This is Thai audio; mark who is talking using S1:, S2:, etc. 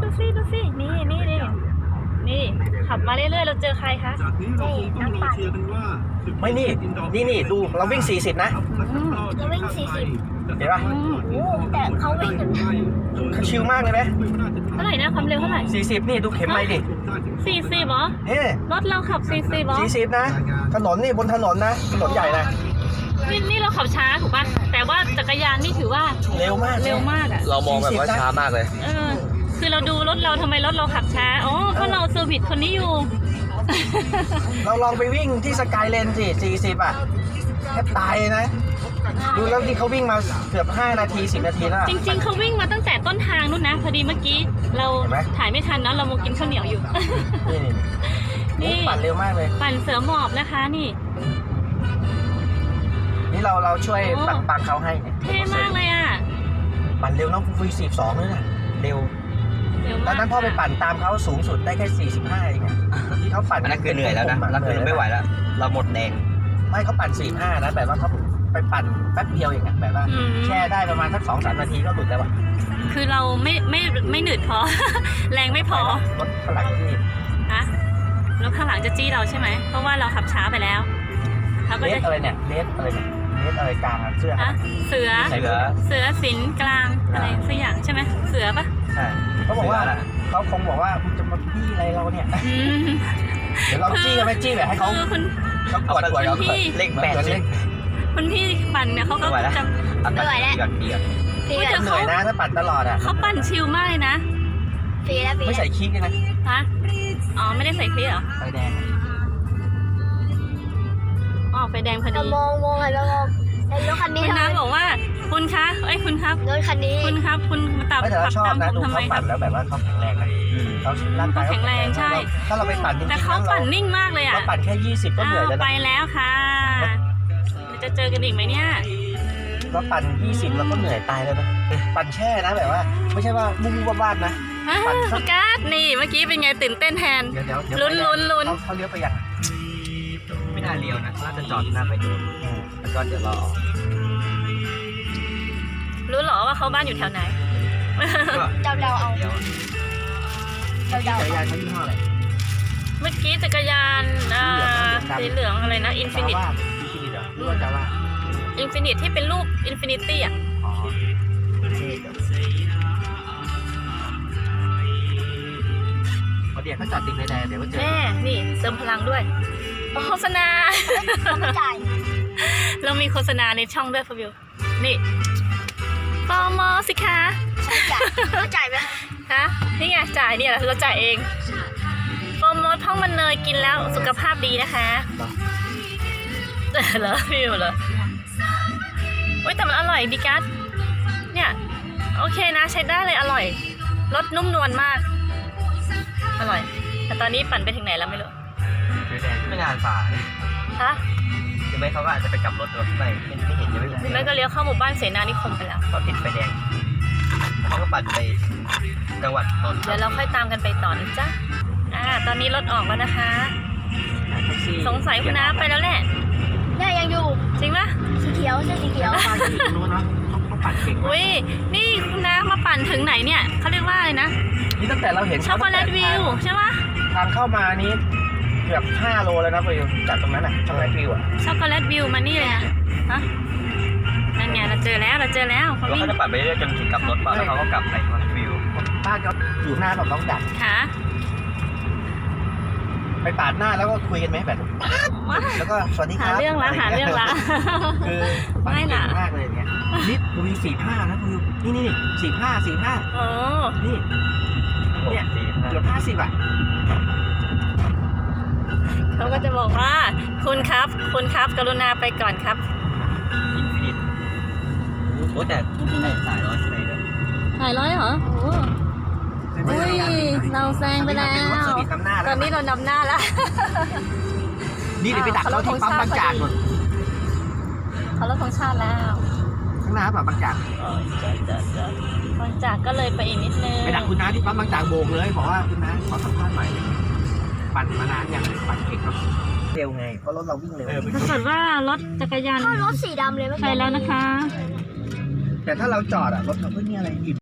S1: ดูสินี่ขับมาเรื่อยๆเราเจอใครคะ
S2: นี่นักปั่น
S3: ไม่นี่ดูเราวิ่ง40นะ
S2: เราวิ่ง40
S3: เห็นป่ะ
S2: โอ้แต่เขาวิ่งกัน
S3: คือชิลมากเลยไหม
S1: เท่าไหร่นะความเร็วเท่าไหร่
S3: 40นี่ดูเข็มไม่ดิ
S1: 40เหรอ
S3: เฮ้
S1: รถเราขับ40เหรอ
S3: 40นะถนนนี่บนถนนนะถนนใหญ่นะ
S1: นี่เราขับช้าถูกป่ะแต่ว่าจักรยานนี่ถือว่า
S3: เร็วมาก
S1: เร็วมากอ่ะ
S4: เรามองแบบว่าช้ามากเลย
S1: คือเราดูรถเราทำไมรถเราขับช้าอ๋อเพราะเราเซอร์วิสคนนี้อยู่
S3: เราลองไปวิ่งที่สกายเลนสิ40อ่ะแทบตายเลยนะดูแล้วที่เขาวิ่งมาเกือบ5นาที10นาทีแล้ว
S1: จริงๆเขาวิ่งมาตั้งแต่ต้นทางนู่นนะพอดีเมื่อกี้เรา
S3: เห็นไหม
S1: ถ่ายไม่ทันเนาะเราโมกินข้าวเหนียวอยู่
S3: นี่ปั่นเร็วมากเลย
S1: ปั่นเสือหมอบนะคะนี่
S3: นี่เราช่วยปังเขาให้เนี่ย
S1: เท่มากเลยอ่ะ
S3: ปั่นเร็วน้องฟู42เลยนะเร็ว
S1: เร็ว
S3: ต
S1: มา
S3: อก นนั้นพ่อไปปั่นตามเขาสูงสุดได้แค่45เองอะที่เขาปั่น
S4: อันนั้นคือเหนื่อยแล้วนะนั่นคือไม่ไหวแล้ว เราหมดแรง
S3: ไม่เขาปั่น45นะแบบว่าเขาไปปั่นแป๊บเดียวเองอะแบบว่าแช่ได้ประมาณสัก2-3 นาทีก็หลุดแล้วอะ
S1: คือเราไม่หนืดพอ แรงไม่พอ
S3: รถฝรั่งที่
S1: ฮะรถข้างหลังจะจี้เราใช่ไหมเพราะว่าเราขับช้าไปแล้วเขาก็
S3: เล
S1: จะ
S3: สอะไรเนี่ยเลสอะไรเนี่ยเลสอะไรกลางอะเสื้อ
S1: อะเสือ
S4: เสือ
S1: สินกลางอะไรสักอย่างใช่ไหมเสือปะ
S3: ใช่เขาบอกว่าเขาคงบอกว่าคุณจะมาบี้อะไรเราเนี่ย
S1: อืม
S3: เดี๋ยวเราจี้กันไปจี้แบบให้เขา
S1: คือคุณ
S3: เขากด
S4: เอาเลข80
S1: คุณพี่ปั่นเนี่ยเขาก็
S4: ไม่ไหวแล้ว
S1: จะ
S4: ไม่ไหวแล้วเดือด
S2: ฟรี
S1: อุ๊ย
S2: แล้
S1: แต่
S2: ว
S3: เหนื่อยนะถ้าปั่นตลอดอะ
S1: เขาปั่นชิลมากเลยนะ
S2: ฟรีแล้ว
S3: ไม่ใส่คิกเลยนะ
S1: ฮะอ๋อไม่ได้ใส่คลีเหรอ
S3: ไฟแดง
S1: อ๋อไฟแดงพอ
S2: เรา
S1: ดี
S2: มองหันมามองไอ้รถคันนี้
S1: คุณ
S2: ทำ
S1: น้า
S2: ไม
S1: บอกว่าคุณคะคุณครับ
S2: รถคันนี้
S1: คุณครับคุณมาตับ
S3: ไม่แต่
S1: ขั
S3: เรา
S1: บ
S3: ชอบ
S1: ตาม
S3: นะ
S1: ผม
S3: ดู
S1: ทำไม
S3: เขา
S1: ครั
S3: ปั่
S1: บ
S3: นแล้วแบบว่าเขาแข็งแรงนะเขาร่างกาย
S1: เขาแข็งแรงใช่
S3: ถ้าเราไปปั่นจริงๆ
S1: แต่เขาปั่น
S3: เรา
S1: นิ่งมากเลยอ่ะ
S3: เราปั่นแค่20ก็เหนื่อยแล้ว
S1: ไป
S3: นะ
S1: แล้วค่ะเราจะเจอกันอีกไหมเนี่ย
S3: เราปั่น20เราก็เหนื่อยตายแล้วนะปั่นแช่นะแบบว่า ไม่ใช่ว่าบุ้งบ้านๆนะ ปั่นสัก
S1: โฟกัสนี่เมื่อกี้เป็นไงตื่นเต้นแทน
S3: เดี๋ยว
S1: ลุ้น
S3: เขาเลี้ยวไปยัง
S4: ไม่น่าเลี้ยวนะน่าจะจอดหน้าไปดูแล้วก็เดี๋ยวรอ
S1: รู้เหรอว่าเขาบ้านอยู่แถวไหน
S2: เดาเอา
S4: เดี๋ยว
S2: เดา
S3: จักรยานเขายี่ห้ออะไร
S1: เมื่อกี้จักรยานสีเหลืองอะไรนะอินฟินิต
S3: หรือว่าจะว่า
S1: อินฟินิตที่เป็นรูปอินฟินิตี้อ่ะ
S3: อ๋อเดี๋ยวเขาจอดติดไฟแดงเดี๋ยวก็เจอ
S1: แม่นี่เติมพลังด้วยโฆษณา
S2: ไม่จ่าย
S1: เรามีโฆษณาในช่องด้วยพวิวนี่ปอมอสิคะ
S2: ไม่จ่ายไหม
S1: ฮะนี่ไงจ่ายเนี่ยเราจ่ายเองโปรโมทพ่องมันเนยกินแล้วสุขภาพดีนะคะเหรอพี่เหรออุ้ยแต่มันอร่อยดีกัสเนี่ยโอเคนะใช้ได้เลยอร่อยรสนุ่มนวลมากอร่อยแต่ตอนนี้ปั่นไปถึงไหนแล้วไม่รู้
S4: ไฟแดงไม่นานฝ่า
S1: ฮะ
S4: หรือไม่เขาก็อาจจะไปกลับรถรถไม่เห็นยังไม่
S1: หรือไม่ก็เลี้ยวเข้าหมู่บ้านเสนานิคมไปแล้ว
S4: เขาติดไฟแดงเขาก็ปั่นไปจังหวัดนนท์
S1: เดี๋ยวเราค่อยตามกันไปต่อนะจ๊ะตอนนี้รถออกแล้วนะคะ สงสัยคุณน้าไปแล้วแหละ
S2: เนี่ยยังอยู่
S1: จริงปะ
S2: สีเขียวเสื้อสีเขียว
S3: ปั่นอยู่ตรงนู้นนะเขาปั่นเก่งมาก
S1: อุ้ยนี่คุณน้ามาปั่นถึงไหนเนี่ยเขาเรียกว่าอะไรนะ
S3: นี่ตั้งแต่เราเห็น
S1: ช็อกโกแลตวิวใช่ปะ
S3: ทางเข้ามานี้เกือบ5 โลแล้วนะฟิวจากตรงนั้นอ่ะช็อกโกแลตวิวอ่ะ
S1: ช็อกโกแลตวิวมานี่เลยนะฮะนั่นไงเราเจอแล้วเขา
S4: แล้ว
S1: วิ่ง
S4: เขาจะปั่นไปเรื่อยจนถึงกลับรถป่ะแล้วเขาก็กลับไปวิว
S3: บ้านเขาอยู่หน้าแบบน้องดัก
S1: ค่ะ
S3: ไปปาดหน้าแล้วก็คุยกันไหมแบบแล้วก็สวัสดีค
S1: หา
S3: รับ
S1: เรื่องละหาเรื่องละ
S3: คือปั่น
S1: ไม่
S3: เก่
S1: ล่ะ
S3: งมากเลยเนี่ยนี่มี45นะฟิวนี่45
S1: โอ้
S3: นี่เนี่ยเกือบ50อ่ะ
S1: เขาก็จะบอกว่าคุณครับกรุณาไปก่อนครับ
S4: อินฟินิตโอ้แต่สายร้อยใช่ไหมเลย
S1: ถ่ายร้อยเหรอโอ้อุ้ยเราแซงไปแล้ว ตอนนี้เรานำหน้าแล้ว
S3: นี่เดี๋ยวไปดักเขาที่ปั๊มบางจากหมด
S1: เขาลดธงชาติแล้ว
S3: ข้างหน้าปั๊มบางจาก
S1: บางจากก็เลยไปอีกนิดนึง
S3: ไปดักคุณน้าที่ปั๊มบางจากโบกเลยบอกว่าคุณน้าขอสัมภาษณ์หน่อยปั่นมานานอย่างปั่นเก่งครับเร็วไงเพราะรถเราวิ่งเร็ว
S1: ปรากฏว่ารถจักรยาน
S2: ก็รถสีดำเลยไม่
S1: ไปแล้วนะคะ
S3: แต่ถ้าเราจอดอ่ะรถเขาไม่มีอะไรหยุด